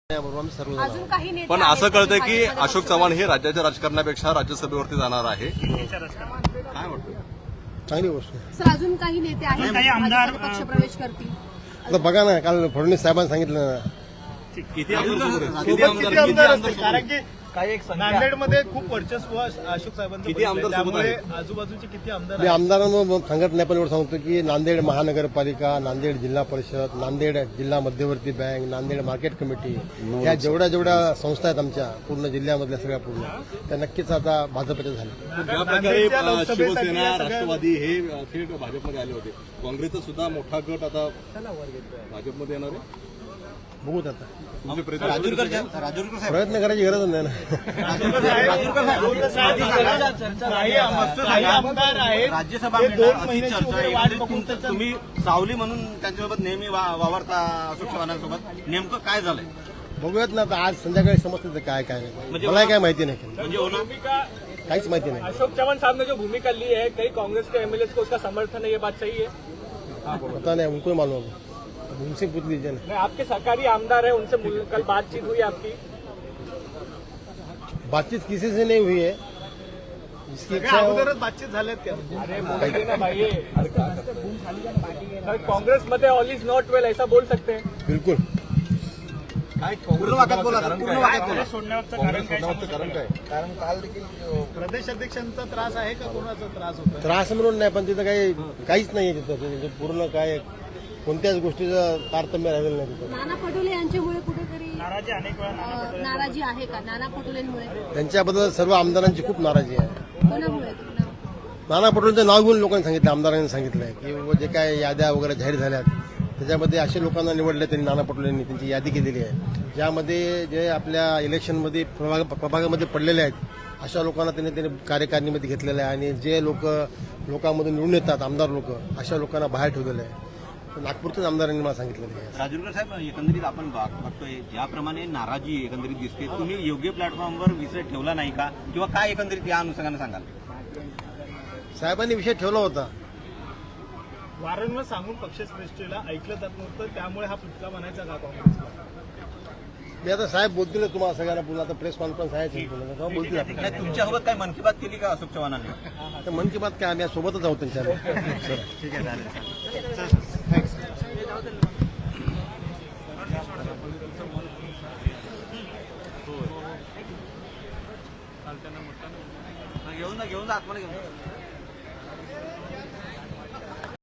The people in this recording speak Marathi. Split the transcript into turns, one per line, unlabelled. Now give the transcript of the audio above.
अजून काही नेते
पण
आहेत
असं कळतंय की
भाजपमध्ये
अशोक चव्हाण हे राज्याच्या राजकारणापेक्षा राज्यसभेवरती जाणार आहे. काय वाटतं?
चांगली गोष्ट आहे.
सर अजून काही नेते आहेत
काही आमदार
भाजपमध्ये पक्षप्रवेश करतील.
आता बघा ना, काल फडणवीस साहेबांनी सांगितलं ना,
किती आमदार सोबत आहेत?
किती आमदार असतील? कारण की
काही एक संख्या
नांदेडमध्ये खूप वर्चस्व अशोक साहेबांचं
किती आमदार
बघितलंय.
सोबत
त्यामुळे आजूबाजूचे किती आमदार
मी
आहेत?
आमदारांना सांगत नाही, पण एवढं सांगतो की नांदेड महानगरपालिका, नांदेड जिल्हा परिषद, नांदेड जिल्हा मध्यवर्ती बँक, नांदेड मार्केट कमिटी, या जेवढ्या संस्था आहेत आमच्या पूर्ण जिल्ह्यामधल्या सगळ्या पूर्ण, त्या नक्कीच आता भाजपच्या झाल्या.
ज्या प्रकारे
नांदेडच्या लोकसभेसाठी
शिवसेना
या सगळ्या-
राष्ट्रवादी हे थेट भाजपमध्ये आले होते, काँग्रेसचा सुद्धा मोठा गट आता भाजपमध्ये येणार आहे.
बघूत आता,
तुमचे प्रयत्न
राजूरकर साहेब
प्रयत्न करायची गरज नाही ना.
काही आमदार आहेत
राज्यसभा
हे
मिळणार
2
अशी
महिन्याची
चर्चा
वगैरे
आहे.
वाट
एकंदरीत
बघून
तुमचं- तुम्ही सावली म्हणून त्यांच्यासोबत नेहमी वावरता अशोक चव्हाणांसोबत, नेमकं काय झालंय?
बघूयात ना आता, आज संध्याकाळी समजतं काय काय नाही.
म्हणजे
मला काय माहिती नाही,
म्हणजे होणार
काहीच माहिती नाही.
अशोक चौहान साहब ने जो भूमिका ली है, कई कांग्रेस के एमएलए को उसका समर्थन है, ये बात सही है?
पता नहीं, उनको ही मालूम है, उनसे पूछ लीजिए ना.
नहीं, आपके सरकारी आमदार है, उनसे कल बातचीत हुई आपकी?
बातचीत किसी से नहीं हुई है, जिसकी
सगळ्या
इच्छा हो.
अगोदरच बातचीत झाल्यात त्या.
अरे बोलिए ना भाई, कांग्रेस मध्ये ऑल इज नॉट वेल ऐसा बोल सकते हैं?
बिल्कुल.
पूर्ण वाक्यात बोला, पूर्ण वाक्यात बोला.
सोडण्याचं कारण काय? कारण काल देखील प्रदेश अध्यक्षांचा त्रास आहे का, कोणाचा त्रास होता?
त्रास म्हणून नाही, पण तिथं काहीच नाहीये तिथं. म्हणजे पूर्ण काय कोणत्याच गोष्टीचं तारतम्य राहिलेलं नाही तिथं.
नाना पटोले यांच्यामुळे कुठेतरी
नाराजी अनेक वेळा
नाराजी आहे का नाना पटोलेंमुळे?
त्यांच्याबद्दल सर्व आमदारांची खूप नाराजी आहे.
कोणामुळे?
नाना पटोलेंचं नाव घेऊन लोकांनी सांगितलं, आमदारांनी सांगितलंय की जे काय याद्या वगैरे जाहीर झाल्यात त्याच्यामध्ये असे लोकांना निवडले त्यांनी, नाना पटोलेंनी त्यांची यादी केलेली आहे, ज्यामध्ये जे आपल्या इलेक्शनमध्ये प्रभागामध्ये पडलेले आहेत अशा लोकांना त्यांनी कार्यकारिणीमध्ये घेतलेलं आहे, आणि जे लोकांमधून निवडून येतात आमदार लोक, अशा लोकांना बाहेर ठेवलेलं आहे. नागपूरच्याच आमदारांनी मला सांगितलेलं आहे.
राजूरकर साहेब, एकंदरीत आपण बघतोय ज्याप्रमाणे नाराजी एकंदरीत दिसते, तुम्ही योग्य प्लॅटफॉर्मवर विषय ठेवला नाही का, किंवा काय एकंदरीत या अनुषंगाने सांगाल?
साहेबांनी विषय ठेवला होता.
वारंवार सांगून पक्षश्रेष्ठीला ऐकलं जात नव्हतं, त्यामुळे हा फटका बनायचा का काँग्रेसला?
मी आता साहेब बोलतील तुम्हाला सगळ्यांना, पुन्हा आता प्रेस कॉन्फरन्स आहे तेव्हा बोलतील आपण.
नाही, तुमच्यासोबत काय मन की बात केली का अशोक चव्हाणांनी?
तर मन की बात काय, आम्ही आज सोबतच आहोत त्यांच्या.
ठीक आहे, चालेल.